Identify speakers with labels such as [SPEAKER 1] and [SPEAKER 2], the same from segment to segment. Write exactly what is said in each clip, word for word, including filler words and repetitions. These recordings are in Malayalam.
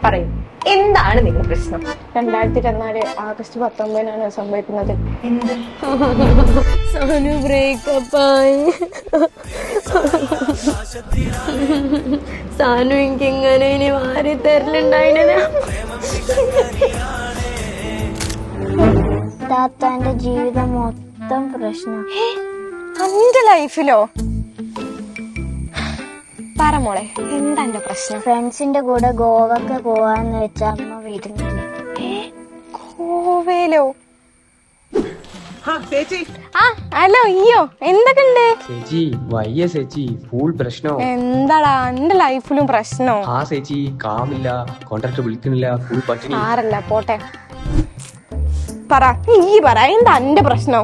[SPEAKER 1] പറയൂ, എന്താണ് നിങ്ങളുടെ പ്രശ്നം?
[SPEAKER 2] രണ്ടായിരത്തി ഇരുപത്തിനാല് ആഗസ്റ്റ് പത്തൊമ്പതിനാണ് സംഭവിക്കുന്നത്.
[SPEAKER 1] എന്ത്?
[SPEAKER 2] സോനു ബ്രേക്കപ്പ് ആയി. സാനു എനിക്ക് എങ്ങനെ ഇനി വാരി തരലുണ്ടായിന.
[SPEAKER 3] താത്താന്റെ ജീവിതം മൊത്തം പ്രശ്നം.
[SPEAKER 2] എന്റെ ലൈഫിലോ? പറ മോളെ, എന്താ എന്റെ പ്രശ്നം?
[SPEAKER 3] ഫ്രണ്ട്സിന്റെ കൂടെ ഗോവക്ക് പോവാന്ന് വെച്ച അമ്മ വരുന്നില്ല.
[SPEAKER 2] ഗോവയിലോ? ആ ഹലോ, അയ്യോ എന്തൊക്കെ ഉണ്ട്
[SPEAKER 4] ചേച്ചി? വയ്യ ചേച്ചി, ഫുൾ പ്രശ്നോ.
[SPEAKER 2] എന്താടാ എന്റെ ലൈഫിലും പ്രശ്നോ?
[SPEAKER 4] ആ ചേച്ചി കാമില്ല, കോൺട്രാക്ടർ വിളിക്കുന്നില്ല, ഫുൾ പട്ടിണി.
[SPEAKER 2] ആരല്ല പോട്ടെ, പറ ഈ പറ എന്താ എന്റെ പ്രശ്നം?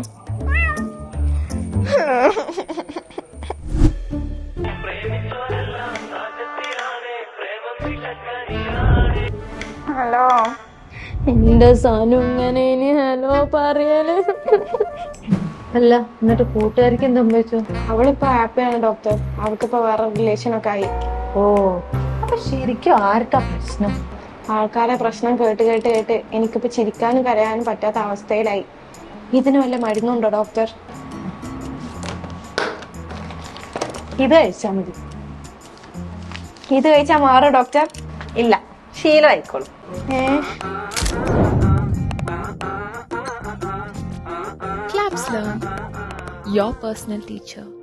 [SPEAKER 2] ഹലോ, എന്റെ സാനു ഇങ്ങനെ ഇനി ഹലോ പറയല്.
[SPEAKER 1] അല്ല, എന്നിട്ട് കൂട്ടുകാരിക്ക് എന്താ സംഭവിച്ചു?
[SPEAKER 2] അവളിപ്പോ ഹാപ്പിയാണ് ഡോക്ടർ. അവൾക്കിപ്പോ വേറെ റിലേഷൻ ഒക്കെ ആയി.
[SPEAKER 1] ഓ, അപ്പൊ ശരിക്കും ആർക്കാ പ്രശ്നം?
[SPEAKER 2] ആൾക്കാരെ പ്രശ്നം കേട്ട് കേട്ട് കേട്ട് എനിക്കിപ്പോ ചിരിക്കാനും കരയാനും പറ്റാത്ത അവസ്ഥയിലായി. ഇതിന് വല്ല മരുന്നുണ്ടോ ഡോക്ടർ?
[SPEAKER 1] ഇത് കഴിച്ചാ മതി.
[SPEAKER 2] ഇത് കഴിച്ചാൽ മാറോ ഡോക്ടർ?
[SPEAKER 1] ഇല്ല, ശീലമായിക്കോളും.
[SPEAKER 2] ഏഹ്
[SPEAKER 5] Claps Learn, your personal teacher.